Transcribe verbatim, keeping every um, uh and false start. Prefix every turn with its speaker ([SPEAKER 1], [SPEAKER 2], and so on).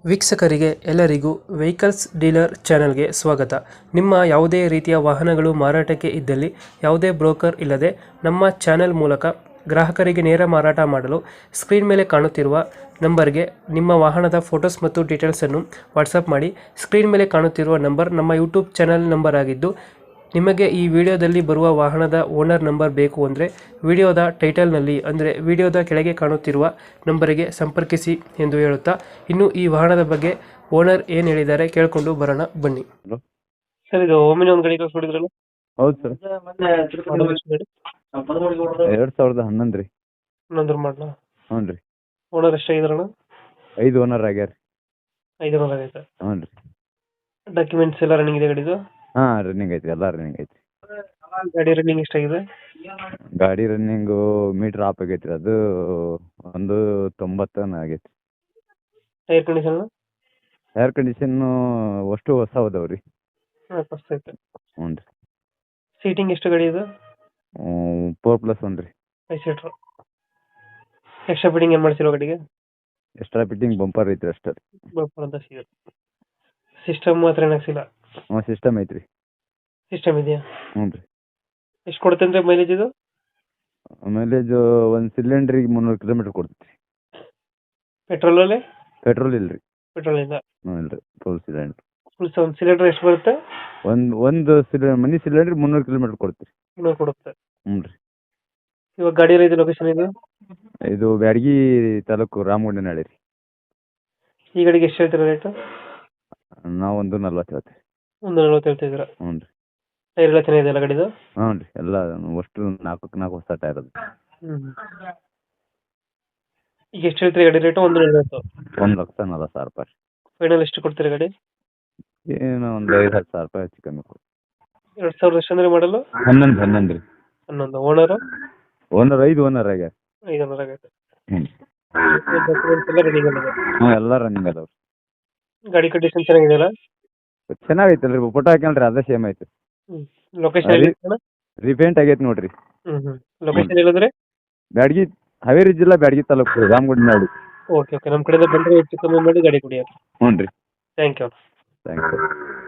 [SPEAKER 1] ವೀಕ್ಷಕರಿಗೆ ಎಲ್ಲರಿಗೂ vehicles dealer ಚಾನೆಲ್ಗೆ ಸ್ವಾಗತ. ನಿಮ್ಮ ಯಾವುದೇ ರೀತಿಯ ವಾಹನಗಳು ಮಾರಾಟಕ್ಕೆ ಇದ್ದಲ್ಲಿ ಯಾವುದೇ ಬ್ರೋಕರ್ ಇಲ್ಲದೆ ನಮ್ಮ ಚಾನೆಲ್ ಮೂಲಕ ಗ್ರಾಹಕರಿಗೆ ನೇರ ಮಾರಾಟ ಮಾಡಲು ಸ್ಕ್ರೀನ್ ಮೇಲೆ ಕಾಣುತ್ತಿರುವ ನಂಬರ್ಗೆ ನಿಮ್ಮ ವಾಹನದ ಫೋಟೋಸ್ ಮತ್ತು ಡೀಟೇಲ್ಸನ್ನು ವಾಟ್ಸಪ್ ಮಾಡಿ. ಸ್ಕ್ರೀನ್ ಮೇಲೆ ಕಾಣುತ್ತಿರುವ ನಂಬರ್ ನಮ್ಮ ಯೂಟ್ಯೂಬ್ ಚಾನೆಲ್ ನಂಬರ್ ಆಗಿದ್ದು, ನಿಮಗೆ ಈ ವಿಡಿಯೋದಲ್ಲಿ ಬರುವ ವಾಹನದ ಓನರ್ ನಂಬರ್ ಬೇಕು ಅಂದರೆ ವಿಡಿಯೋದ ಟೈಟಲ್ನಲ್ಲಿ ಅಂದರೆ ವಿಡಿಯೋದ ಕೆಳಗೆ ಕಾಣುತ್ತಿರುವ ನಂಬರಿಗೆ ಸಂಪರ್ಕಿಸಿ ಎಂದು ಹೇಳುತ್ತಾ, ಇನ್ನು ಈ ವಾಹನದ ಬಗ್ಗೆ ಓನರ್ ಏನು ಹೇಳಿದ್ದಾರೆ ಕೇಳಿಕೊಂಡು ಬರೋಣ ಬನ್ನಿ.
[SPEAKER 2] ಹಲೋ.
[SPEAKER 1] ಸರ್, ಇದು ಒಮ್ಮೆನೇ ಒಂದು ಗಾಡಿ ಕಳ್ಸ್ಕೊಡಿದ್ರಲ್ಲ,
[SPEAKER 2] ಹೌದು ಸರ್. ಎರಡು ಸಾವಿರದ ಹನ್ನೊಂದು ರೀ.
[SPEAKER 1] ಇನ್ನೊಂದ್ರ ಮಾಡಲ
[SPEAKER 2] ಹ್ಞೂ ರೀ.
[SPEAKER 1] ಓನರ್ ಎಷ್ಟಾಗಿದ್ರಣ?
[SPEAKER 2] ಐದು ಓನರ್ ಆಗ್ಯಾರ ರೀ.
[SPEAKER 1] ಐದು ಓನರ್ ಆಗೈತೆ.
[SPEAKER 2] ಹ್ಞೂ ರೀ.
[SPEAKER 1] ಡಾಕ್ಯುಮೆಂಟ್ಸ್ ಎಲ್ಲ ರನ್ನಿಂಗ್ ಇದೆ ಗಾಡಿದು?
[SPEAKER 2] ಹಾಂ, ರನ್ನಿಂಗ್ ಐತಿ, ಎಲ್ಲ ರನ್ನಿಂಗ್ ಐತಿ.
[SPEAKER 1] ಗಾಡಿ ರನ್ನಿಂಗ್ ಎಷ್ಟಾಗಿದೆ?
[SPEAKER 2] ಗಾಡಿ ರನ್ನಿಂಗು ಮೀಟ್ರ್ ಆಫ್ ಆಗೈತಿ ರೀ. ಅದು ಒಂದು ತೊಂಬತ್ತನ ಆಗೈತಿ.
[SPEAKER 1] Tyre condition?
[SPEAKER 2] ಏರ್ ಕಂಡೀಷನ್ನು ಅಷ್ಟು ಹೊಸ ಅದಾವ ರೀ.
[SPEAKER 1] ಐತೆ.
[SPEAKER 2] ಹ್ಞೂ ರೀ.
[SPEAKER 1] ಸೀಟಿಂಗ್ ಎಷ್ಟು ಗಾಡಿ ಇದು?
[SPEAKER 2] ಫೋರ್ ಪ್ಲಸ್ ಒನ್ ರೀ.
[SPEAKER 1] Five seater. ಎಕ್ಸ್ಟ್ರಾ ಫಿಟ್ಟಿಂಗ್ ಏನು ಮಾಡ್ಸಿರೋ ಗಾಡಿಗೆ?
[SPEAKER 2] ಎಕ್ಸ್ಟ್ರಾ ಫಿಟ್ಟಿಂಗ್ ಬಂಪರ್ ಐತ್ರಿ ಅಷ್ಟೇ.
[SPEAKER 1] ಬಂಪರ್ ಅಂತ ಸಿಗುತ್ತೆ. ಸಿಸ್ಟಮ್ ಮಾತ್ರ ಏನಾಗ್ಸಿಲ್ಲ?
[SPEAKER 2] ಹ್ಞೂ, ಸಿಸ್ಟಮ್ ಐತ್ರಿ.
[SPEAKER 1] ಸಿಸ್ಟಮ್ ಇದೆಯಾ?
[SPEAKER 2] ಹ್ಞೂ ರೀ.
[SPEAKER 1] ಎಷ್ಟು ಕೊಡುತ್ತೆ ಮೈಲೇಜ್ ಇದು?
[SPEAKER 2] ಮೈಲೇಜು ಒಂದು ಸಿಲಿಂಡ್ರಿಗೆ ಮುನ್ನೂರು ಕಿಲೋಮೀಟ್ರ್ ಕೊಡ್ತೈತಿ.
[SPEAKER 1] ಪೆಟ್ರೋಲಲ್ಲಿ?
[SPEAKER 2] ಪೆಟ್ರೋಲ್ ಇಲ್ಲ ರೀ.
[SPEAKER 1] ಪೆಟ್ರೋಲ್ ಇಲ್ಲ?
[SPEAKER 2] ಹ್ಞೂ ಇಲ್ಲ ರೀ, ಫುಲ್ ಸಿಲಿಂಡ್ರ್.
[SPEAKER 1] ಫುಲ್ ಒಂದು ಸಿಲಿಂಡರ್ ಎಷ್ಟು ಬರುತ್ತೆ?
[SPEAKER 2] ಒಂದು ಒಂದು ಸಿಲಿ ಮನಿ ಸಿಲಿಂಡ್ರ್ ಮುನ್ನೂರು ಕಿಲೋಮೀಟ್ರ್ ಕೊಡ್ತೀರಿ.
[SPEAKER 1] ಮುನ್ನೂರು ಕೊಡುತ್ತೆ.
[SPEAKER 2] ಹ್ಞೂ ರೀ.
[SPEAKER 1] ಇವಾಗ ಗಾಡಿ ಇದೆ ಲೊಕೇಶನ್ ಇದು?
[SPEAKER 2] ಇದು ಬ್ಯಾಡಗಿ ತಾಲೂಕು ರಾಮಗುಂಡನಹಳ್ಳಿ ರೀ.
[SPEAKER 1] ಈ ಗಾಡಿಗೆ ಎಷ್ಟು ಹೇಳ್ತೀರಾ ರೇಟು?
[SPEAKER 2] ನಾವು ಒಂದು ನಲ್ವತ್ತು ಹೇಳ್ತೀವಿ.
[SPEAKER 1] ಒಂದು ನಲ್ವತ್ತು ಹೇಳ್ತಿದ್ದೀರಾ?
[SPEAKER 2] ಹ್ಞೂ ರೀ.
[SPEAKER 1] ಟೈರ್ ಎಲ್ಲ ಚೆನ್ನಾಗಿದೆ ಅಲ್ಲ ಗಾಡಿದು?
[SPEAKER 2] ಹ್ಞೂ ರೀ, ಎಲ್ಲ ಅಷ್ಟು ನಾಲ್ಕಕ್ಕೆ ನಾಲ್ಕು ಹೊಸ ಟೈರ್ ಅದು.
[SPEAKER 1] ಹ್ಞೂ. ಈಗ ಎಷ್ಟು ಹೇಳ್ತೀರಿ ಗಾಡಿ ರೇಟು? ಒಂದು ನಲ್ವತ್ತು.
[SPEAKER 2] ಒಂದು ಲಕ್ಷ ನಲ್ವತ್ತು ಸಾವಿರ ರೂಪಾಯಿ.
[SPEAKER 1] ಫೈನಲ್ ಎಷ್ಟು ಕೊಡ್ತೀರಾ ಗಾಡಿ?
[SPEAKER 2] ಏನು ಒಂದು ಐದು ಹತ್ತು ಸಾವಿರ ರೂಪಾಯಿ ಹೆಚ್ಚು ಕಮ್ಮಿ ಕೊಡಿ.
[SPEAKER 1] ಎರಡು ಸಾವಿರದ ಎಷ್ಟು ಅಂದರೆ ಮಾಡಲು?
[SPEAKER 2] ಹನ್ನೊಂದು ಹನ್ನೊಂದು ರೀ.
[SPEAKER 1] ಹನ್ನೊಂದು. ಓನರು?
[SPEAKER 2] ಓನರ್ ಐದು ಓನರ್ ಆಗ್ಯಾರ.
[SPEAKER 1] ಐದು ಓನರ್ ಆಗೈತೆ.
[SPEAKER 2] ಹ್ಞೂ.
[SPEAKER 1] ಡಾಕ್ಯುಮೆಂಟ್ಸ್ ಎಲ್ಲ ರನ್ನಿಂಗ್ ಅಲ್ಲ?
[SPEAKER 2] ಹ್ಞೂ, ಎಲ್ಲ ರನ್ನಿಂಗ್ ಅದಾವೆ.
[SPEAKER 1] ಗಾಡಿ ಕಂಡೀಷನ್ ಚೆನ್ನಾಗಿದೆಯಲ್ಲ?
[SPEAKER 2] ಚೆನ್ನಾಗೈತಲ್ಲ ರೀ, ಫೋಟೋ ಹಾಕ್ಯಾನ್ರಿ, ಅದೇ ಸೇಮ್ ಐತೆ.
[SPEAKER 1] ಹ್ಞೂ. ಲೊಕೇಶನ್ ಎಲ್ಲಿ?
[SPEAKER 2] ರಿಪೇಂಟ್ ಆಗೈತೆ ನೋಡ್ರಿ.
[SPEAKER 1] ಹ್ಞೂ ಹ್ಞೂ. ಲೊಕೇಶನ್ ಎಲ್ಲಂದ್ರೆ?
[SPEAKER 2] ಬ್ಯಾಡಗಿ, ಹಾವೇರಿ ಜಿಲ್ಲಾ ಬ್ಯಾಡಗಿ ತಾಲೂಕು ರಾಮಗುಂಡನಹಳ್ಳಿ.
[SPEAKER 1] Okay okay. ನಮ್ಮ ಕಡೆಯಿಂದ ಬಂದರೆ ಹೆಚ್ಚು ಕಮ್ಮಿ ಮಾಡಿ ಗಾಡಿ ಕೊಡಿ.
[SPEAKER 2] ಹ್ಞೂ ರೀ.
[SPEAKER 1] Thank you.
[SPEAKER 2] Thank you.